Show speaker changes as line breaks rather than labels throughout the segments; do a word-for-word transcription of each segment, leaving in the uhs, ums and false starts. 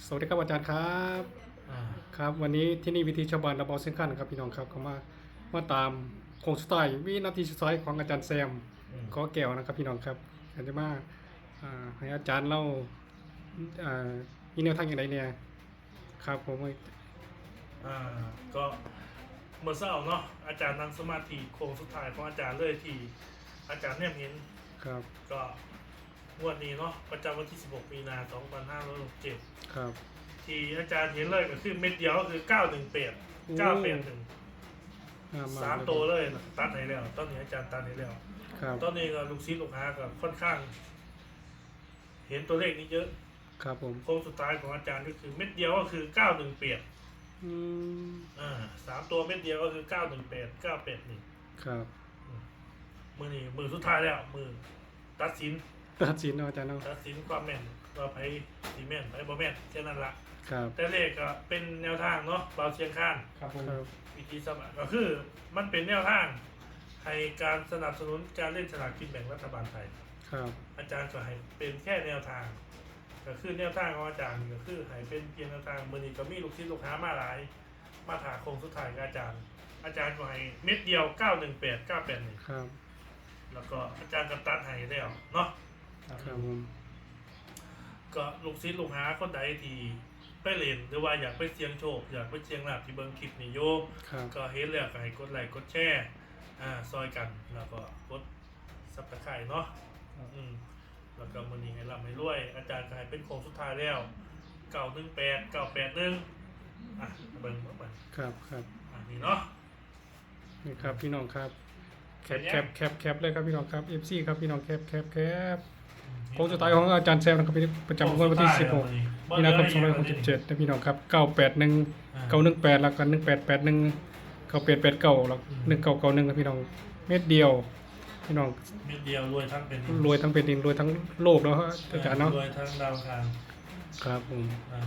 สวัสดีครับอาจารย์ครับ
อ่า
ครับวันนี้ที่นี่วิธีชาวบ้านระเบาเส้นขั้นครับพี่น้องครับเขามามาตามโค้งสุดท้ายวินาทีสุดท้ายของอาจารย์แซม
อืม
ขอแก้วนะครับพี่น้องครับอาจจะมาอ่าให้อาจารย์เล่าอ่ามีแนวทางอย่างไรเนี่ยครับผม
อ่าก็เมื่อเช้าเนาะอาจารย์นั่งสมาธิโค้งสุดท้ายของอาจารย์เลยที่อาจารย์เนี่ยเห็น
ครับ
ก็งวดนี้เนาะประจำวันที่สิบหกมีนาสองพันห้าร้อยหกสิบเจ็ด
ครับ
ที่อาจารย์เห็นเลยก็คือเม็ดเดียวก็คือเก้าหนึ่งแปดเก้าแปดหนึ่งสามตัวเลยตัดให้แล้วตอนนี้อาจารย์ตัดให้แล้ว
ครับ
ตอนนี้ก็ลูกศิษย์ลูกหาก็ค่อนข้าง เห็นตัวเลขนี้เยอะ
ครับผม
โค้งสุดท้ายของอาจารย์ก็คือเม็ดเดียวก็คือเก้าหนึ่งแปด
อืม
อ่าสามตัวเม็ดเดียวก็คือเก้าหนึ่งแปดเก้าแปดหนึ่ง
ครับ
มือนี่มือสุดท้ายแล้วมือตัดสิน
ตัดสินเนาะอาจารย์เนาะ
ตัดสินความแม่นว่าไพ่สีแม่นไพ่บ่แม่นแค่นั้นละ
ครับ
แต่เลขก็เป็นแนวทางเนาะเบาเชียงข้าน
ครับผม
วิธีสมัครก็คือมันเป็นแนวทางให้การสนับสนุนการเล่นสลากกินแบ่งรัฐบาลไทย
ครับ
อาจารย์ก็ให้เป็นแค่แนวทางก็คือแนวทางของอาจารย์ก็คือให้เป็นเพียงแนวทางมือนี้ก็มีลูกศิษย์ลูกหามาหลายมาถาโคงสุดท้ายกับอาจารย์ อาจารย์ก็ให้เม็ดเดียวเก้าหนึ่งแปดเก้าแปดหนึ่ง
ครับ
แล้วก็อาจารย์ก็ตัดให้แล้วเนาะ
ครับผม
ก็ลูกศิษย์ลูกหาคนใดที่ไปเล่นหรือว่าอยากไปเสี่ยงโชคอยากไปเสี่ยงลาภที่เบิ่งคลิปนี่โยมก็เห็นแล้วก็ให้กดไลค์กดแชร์อ่าซอยกันแล้วก็กดซับสไครต์เนาะอืมแล้วก็มื้อนี้ให้ร่ำให้รวยอาจารย์ก็ให้เป็นโค้งสุดท้ายแล้วเก้าหนึ่งแปด เก้าแปดหนึ่งอ่ะเบิ่งเบิ่งเบิ่ง
ครับครับ
อันนี้เนาะ
นี่ครับพี่น้องครับแคปแคปแคปแคปเลยครับพี่น้องครับ เอฟ ซี ครับพี่น้องแคปแคปแคปโค้งสุดท้ายของอาจารย์แซมนะครับประจำวันที่สิบหกมีนาคมสองพันหกสิบเจ็ดนะพี่น้องครับเก้าแปดหนึ่งเก้าหนึ่งแปดแล้วก็หนึ่งแปดแปดหนึ่งเก้าแปดแปดเก้าแล้วหนึ่งเก้าเก้าหนึ่งครับพี่น้องเม็ดเดียวพี่น้อง
เม็ดเดียวรวยทั้งเป็น
รวยทั้งเป็นดินรวยทั้งโลกแล้วอาจารย์เนาะ
รวยทั้งดาวคาร
ครับผม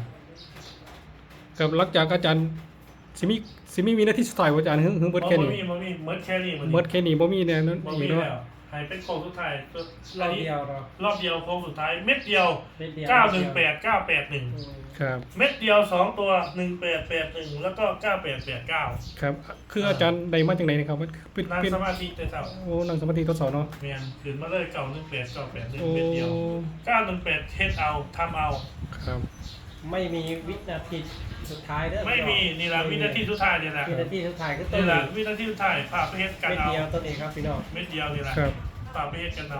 กับหลังจากอาจารย์สิมีสิมีมีหน้าที่สุดท้ายอาจารย์หึงหึงเบิดแค่นี้
บ่มีบ่มีเมิดแค่นี้
เบิดแค่นี้บ่มีเนี่ยนั่น
บ่
อี
มี
กเนาะ
แล้วให้เป็นโค้งสุดท้าย
รอบเดียวเนาะ
รอบเดียวโค้งสุดท้ายเม็ดเดียว
เม็ดเดียว
เก้าหนึ่งแปด เก้าแปดหนึ่ง
ครับ
เม็ดเดียวสองตัวหนึ่งแปดแปดหนึ่งแล้วก็เก้าแปดแปดเก้า
ครับคืออาจารย์ใดมาจากไหนนะครับเป็น
นั่ง
เป็น
สมาธิแต่เช้า
โอ้นั่งสมาธิทดสอบเนาะ
เมียนขึ้นมาเลยเก้าหนึ่งแปด เก้าแปดหนึ่ง
โอ้
เม็ดเดียวเก้าหนึ่งแปดเฮ็ดเอาทำเอา
ครับ
ไม่มีวินาทีสุดท้ายเด้อ
ไม่มีนี่ละวินาทีสุดท้ายเนี่ยแหละ
วินาทีสุดท้ายก็ต้น
นี่ละวินาทีสุดท้ายพาไปเฮ็ดกัน
เม็ด
เอา
เดียวต้นเองครับพี่น้อง
เม็ดเดียวนี่แหละ
ครับ
พาไปเฮ็ดกันเอา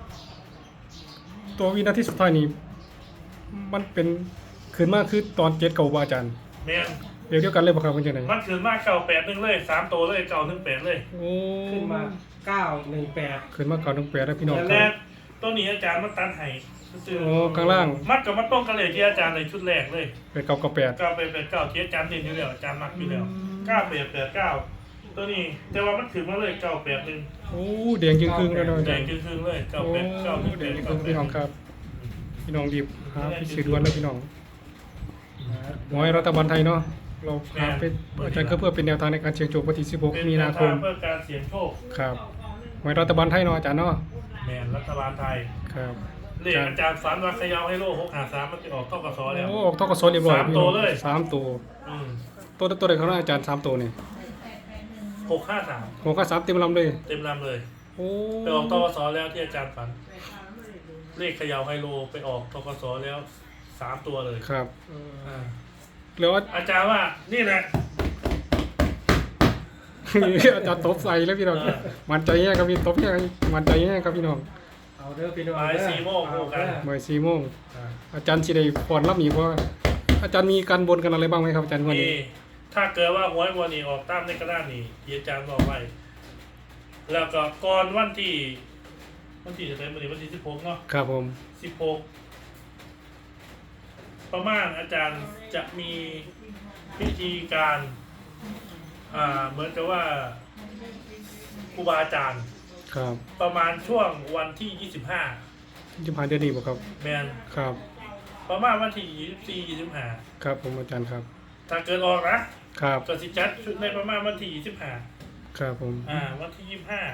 ตัววินาทีสุดท้ายนี้มันเป็นคืนมากคือตอนเจ็ดเก่าบ่อาจารย์
เมียน
เดี๋ยวเดียวกันเลยบ่ครับเป็นจังได๋
มันขึ้นมาเก้าแปดหนึ่งเลยสามตัวเลยเก้าหนึ่งแปดเลย
โอ้
ขึ้นมาเก้าหนึ่งแปด
คืนมาเก่าถึงแปดแล้วพี่น้องค
แล้
รั
ว
บ
ตัวนี้อาจารย์มันตัดให้
โอ้ข้างล่าง
มัดกับมัดต้องกันเลยที่อาจารย์ในชุดแรกเลย
เป็นเก่ากับแปด
เก้าแปดแปดเก้าที่อาจารย์เด่นอยู่แล้วอาจารย์มักอยู่แล้วเก้าแปดแปดเก้าตัวนี้แต่ว่ามันถึงมาเลยเก้าแปดหนึ่ง
โอ้แดงจึงครึ่งแล้วเนาะอา
แด
จารง ย์
ครึ่งๆเลยเก้า
โอ้
แปดเก้าหนึ่ง
แด
แป
ง
ด
จึงครึ่งพี่น้องครับพี่น้องรีบหาพิสูจน์ด่วนแล้วพี่น้องหวยรัฐบาลไทยเนาะเราหาเป็นอาจารย์ก็เพื่อเป็นแนวทางในการเสี่ยงโชควันที่สิบหกมีนาคม
เพื่อการเสี่ยงโชค
ครับหวยรัฐบาลไทยเนาะอาจารย์เนาะ
แมนรัฐบาลไทย
ครับ
เลขอาจารย์ฝันว่าเขยาวให้โลกหกหาสามมันจะออกเข้ากระสอแล้ว
โอ้ออกทกศเรียบร้อย
สาม
พี่
ตั
น้
ว
อง
เลย
สามตัว
อืม
ตัวตัวใดของอาจารย์สามตัวนี่
หกห้าสาม
ผมก็สามเต็มลำเลย
เต็มลำเลย
โอ้
ไปออกทกสแล้วที่อาจารย์ฝัน เลขเขยาวไฮโลไปออกทกสแล้วสามตัวเลย
ครับ
อ่า
แล้ว
อาจารย์ว่านี่แหละ
อาจารย์ตบใส่แล้วพี่น้องมันใจแย่ครับพี่ตบแย่มันใจแย่ครับพี่น้อง
เอาเด้อพี่น้อง
บ่ายสี่โมง
เอา
กัน
เด้อ
บ่ายสี่โมง
อ่า
อาจารย์สิได้พรรับหนีเพราะอาจารย์มีการบนกันอะไรบ้างไหมครับอาจารย์วัน
มี
นี้
ถ้าเกิดว่าหวยวันนี้ออกตามในกระดานนี้ที่อาจารย์บอกไว้แล้วก็ก่อนวันที่วันที่จะได้วันนี้วันที่สิบหกเนาะ
ครับผม
สิบหกประมาณอาจารย์จะมีพิธีการอ่าเหมือนกับว่าครูบาอาจารย์
ครับ
ประมาณช่วงวันที่ยี่สิบห้า
จะผ่านเดือนนี้บ่ครับ
แมน
ครับ
ประมาณวันที่ยี่สิบสี่ยี่สิบห้า
ครับผมอาจารย์ครับ
ถ้าเกิดออกนะครับ ก็สิจัดชุดในประมาณวันที่ยี่สิบห้า
ครับผม
อ่าวันที่ยี่สิบห้า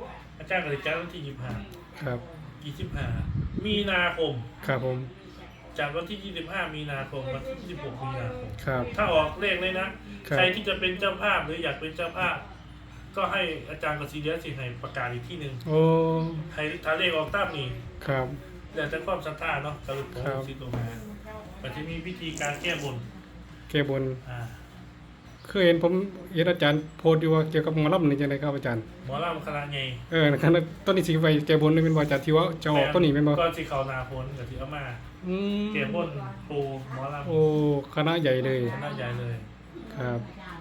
อาจารย์ก็สิจัดวันที่ยี่สิบห้า
ครับ
ยี่สิบห้ามีนาคม
ครับผม
จากวันที่ ยี่สิบห้า มีนาคมวันที่ ยี่สิบหก มีนาคม
ครับ
ถ้าออกเลขเลยนะ
ครับ
ใครที่จะเป็นเจ้าภาพหรืออยากเป็นเจ้าภาพ ก็ให้อาจารย์กสิเดียสิให้ประกาศอีกที่หนึ่ง
โอ้
ให้ถ้าเลขออกตามนี้
ครับ
แล้วแต่ความศรัทธาเนาะสรุปของ
ครับ
ลูกศิษย์ลูกหามันจะมีพิธีการแก้บน
แก้บน
อ่า
เคยเห็นผมเห็นอาจารย์โพสต์อยู่ว่าเกี่ยวกับหมอลำนี่จังไดครับอาจารย์
หมอลำคณะไง
เออนะครับต้นนี้สิไปแก้บนนี่เป็นว่าอาจารย์ที่ว่าจะออกต้นนี้แม่นบ่
ก่อนสิเขานาพ้นกับที่เอามา
อืม
แก้บนปูหมอลำ
โอ้คณะใหญ่เลย
คณะใหญ่เลย
ครับ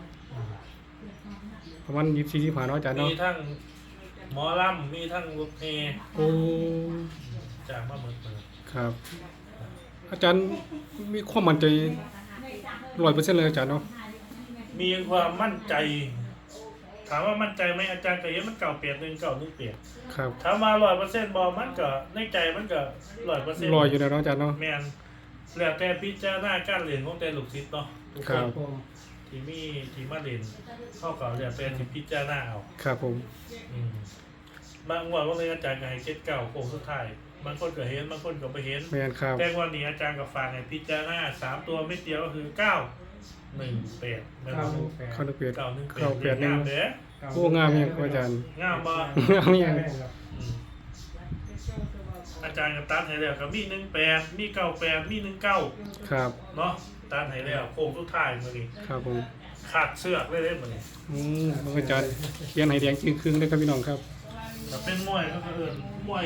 ประมาณยี่สิบสี่สิบห้าเนาะอาจารย์
มี
เนาะ
ทั้งหมอลำมีทั้งลูกเพลง
โอ้
จากมาเหมือนเดิม
ครับ อาจารย์มีความมั่นใจร้อยเปอร์เซ็นต์เลยอาจารย์เนาะ
มีความมั่นใจ ถามว่ามั่นใจไหมอาจารย์ก็เห็นมันเก่าเปลี่ยนหนึ่งเก่าหนึ่งเปลี่ยน
ครับ
ถามมาร้อยเปอร์เซ็นต์บอมันก็ในใจมันก็ร้อยเปอร์เซ็นต์
ลอยอยู่แล้วเนาะอาจารย์เนาะ
แมนแล้วแต่พิจารณาการเรียนของแต่ลูกศิษย์เนาะทุก
ค
ค
รั
น
บ
ผม
ที่มีที่มาเรียนเข้ากับเรียนเป็นที่พิจารณาเอา
ครับผม
อืมบางวันว่าเลยอาจารย์ก็ให้เก็ตเก่าโค้งสุดท้ายบางคนก็เห็นบางคนก็ไม่เห็น
แม่นครับ
แต่วันนี้อาจารย์กับฝากให้พิจารณาสามตัวไม่เดียวก็คือเก้าหนึ่งแปดแม่น
เก้า
บ่
หนึ่งแปด
เข้านึกเปียด
เก้าหนึ่งแปด
เก้าแปดหนึ่ง
งามเด้อ
โอ้งามยังอาจารย์
งามบ่
งามยัง
อืมอาจารย์กับตัดให้แล้วก็มีหนึ่งแปดมีเก้าแปดมีหนึ่งเก้า
ครับ
เนาะตัดให้แล้วโค้งสุดท้ายมื้อนี้
ครับผม
ขาดเสือกเลยเด้มื้อนี้
อืมอาจารย์เขียนให้แดงจึงครึ่งเลยครับพี่น้องครับ
แต่เป็นมวยก็คือเอิ้นมวย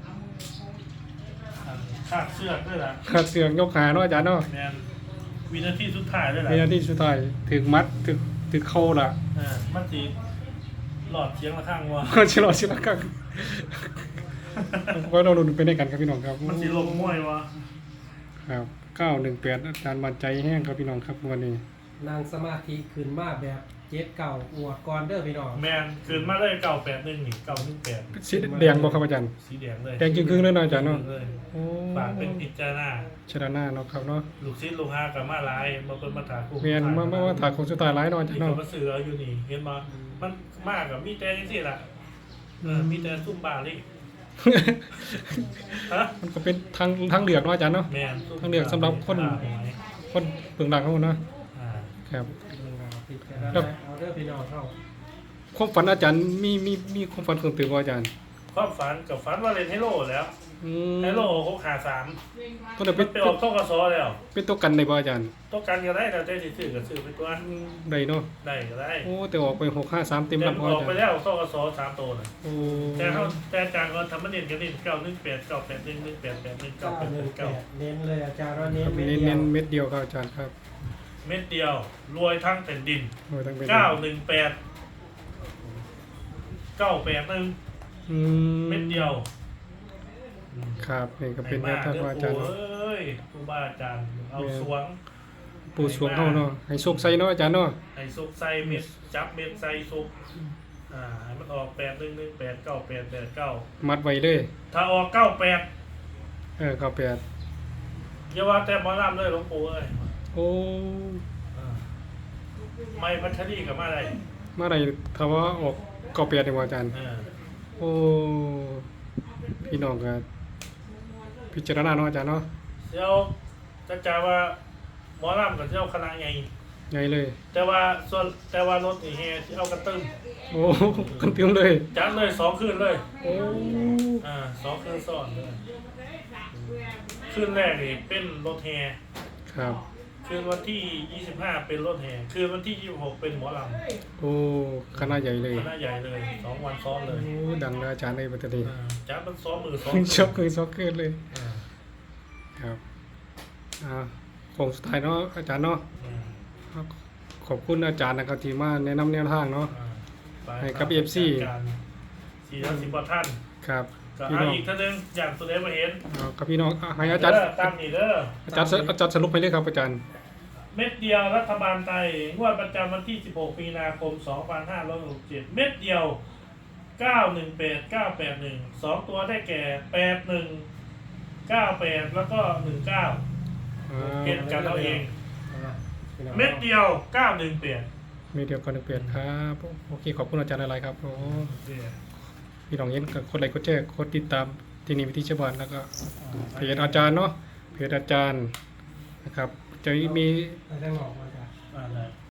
อันขาดเสือกด้วยล่ะ
ขาดเสือกยกขาเนาะอาจารย์เนาะ
แม่นวินาทีสุดท้ายด้วยล่ะ
ในนาทีสุดท้ายถึงมัดถึงถึงเข้าล่ะ
เออมันสิหลอดเสียงละข้างว่า
ก็ชิลอชิลอกังก็เราลุ้นไปด้วยกันครับพี่น้องครับ
มันสิลงมวยวะ
ครับเก้าหนึ่งแปดอาจารย์มั่นใจแห้งครับพี่น้องครับวันนี้
นางสมาธิขึ้นมาแบบเจ็ดเก่าอวดก่อนเด้อพี่น้อง
แมนคืนมาเลยเก่าแปดหนึ่งนี่เก่าหนึ่งแปด
สีแดงบ่ครับอาจารย์
สีแดงเลย
แดงจึงครึ่งเลยเนาะอาจารย์เนาะ
เลย
โอ้
ฝากเป็นพิจารณา
ชนะหน้าเนาะครับเนาะ
ลูกศิษย์ลูกหากับมาหลายมาเป็นมาถาคู่
เมียนมามามาถากของสุดท้ายร้ายเนาะอาจาร
นี่
ย์
ก็
เนาะ
มาซื้อเอาอยู่นี่เห็นมามันมากกับมีแต่ยังสิล่ะเออมีแต่ซุ่มบาลี่ฮะ
มันก็เป็นทางทางเลือกเนาะอาจารย์เนาะ
แมนซุ่ม
ต้องเลือกสำหรับคน
บาหวย
คนเบื้องหลังเขาเนาะ
อ่า
ครับ
พิจารณาเอาเด้อพี่น้องเข้า
ความฝันอาจารย์มีมีมีความฝันเพิ่มเติมบ่อาจารย์
ความฝันกับฝันว่าเล่นไฮโลแล้ว
อืม
ไฮโลหกขาสาม
ตัวนั้น
มั
เป็น น
ไปออกต้องกระซอแล้ว
เป็นตัวกันได้บ่อาจารย์
ต้องการก็ได้แต่ใจสิซื้อก็ซื้อไปตัว
ได้เนาะ
ได้ก็ได้
โอ้แต่ออกไปหกห้าสามเต็ม
แต่
ลำ
อ
บ่
อ
อาก
ไป
จารย์
แล้วต้องกระซอสามตัวน่ะ
โอ้
แต่เขาแต่อาจารย์ก็ทำมันเน้นกันนี่เก้าหนึ่งแปดเก้าแปดหนึ่งหนึ่งแปดแปดหนึ่งเก้า
เก้า
แปด
หนึ่งแป
เก้า
ดเน้นเลยอาจารย์ว่าเน้
คน รับ
เม็ด
เน้น
เดีย
เน้
วน
เม็ดเดียวครับอาจารย์ครับ
เม็ดเดียว รวยทั้งแผ่นดิน
โอ้ยตั้งเป็น
เก้าหนึ่งแปดเก้าแปดหนึ่ง
อืม
เม็ดเดียว
ครับนี่ก็เป็นแน
ให้
ว
มา
ทาง
เด้
ของ
อ
อาจาร
ปู่
ย์
เอ้ยครูบาอาจารย์เอาสวง
ปู่สวงเฮาเนาะให้โชคใส่เนาะอาจารย์เนาะ
ให้ซุกใส่เม็ดจับเม็ดใส่ซุกอ่าให้มันออกแปดหนึ่งหนึ่งแปดเก้าแปดแปดเก้า
มัดไว้เลย
ถ้าออกเก้าแปด
เออเก้าแปด
อย่าว่าแต่หมอลำเลยหลวงปู่เอ้ย
โอ้
อ่าไม่พัชรีกับมาอะไร
เมื่อไหร่ถ้าว่าออกเก้าแปดนี่บ่อาจารย์
เออ
โอ้พี่น้องก็พิจารณาเนาะอาจารย์เนาะ
เจ้าจะจ่าว่าหมอลำกับเจ้าคณะไง
ใหญ่เลย
แต่ว่าส่วนแต่ว่ารถนี่แฮที่เอากระตึ้ม
โอ้กันเต็มเลย
จัดเลยสองคืนเลย
โอ้
อ่าสองคืนซ้อนเลยคืนแรกนี่เป็นรถแฮ
ครับ
คืนวันที่ยี่สิบห้าเป็นรถแห่คืนวันที่ยี่สิบหกเป็นหมอล
โอ้คณะใหญ่เลย
ำคณะใหญ่เลยสองวันซ้อนเลย
โอ้ดังเลยอาจารย์ในปัตตานี
อ่าจัดมันซ้อมมือซ้อม
ช็อกเลยช็อกเกินเลย
อ่า
ครับอ่าของสุดท้ายเนาะอาจารย์เนาะ
อืม
ขอบคุณอาจารย์นะครับที่มาแนะนำแนวทางเนาะ
อ่าไป
ให้กับ เอฟ ซี
จัดการสี่ร้อยสิบกว่าท่าน
ครับ
ก็
พี่
เอา
น้อง
อีกท่านหนึงอย่างตัวเล็กมาเห็น
เอาครับพี่น้องอ่ะให้อาจารย์
เด้ตามนี่เด้อ
อาจารย์อาจารย์สรุปให้เลยครับอาจารย์
เม็ดเดียวรัฐบาลไทยงวดประจำวันที่สิบหกมีนาคมสองพันห้าร้อยหกสิบเจ็ดเม็ดเดียวเก้าหนึ่งแปดเก้าแปดหนึ่งสองตัวได้แก่แปดหนึ่งเก้าแปดแล้วก็หนึ่งเก้า
อ่า
เก็บกันเอาเอง
อ่าพี่น้อง
เม็ดเดียวเก้าหนึ่งแปด
มีเดียวกันเปลี่ยนครับโอเคขอบคุณอาจารย์อะไรครับโอ้พี่น้องเห็นก็กดไลค์กดแชร์กดติดตามที่นี่วิธีชาวบ้านแล้วก็เพจอาจารย์เนาะเพจอาจารย์นะครับจะมี
ไปทางหลอกมาจ้ะ
อ่าได้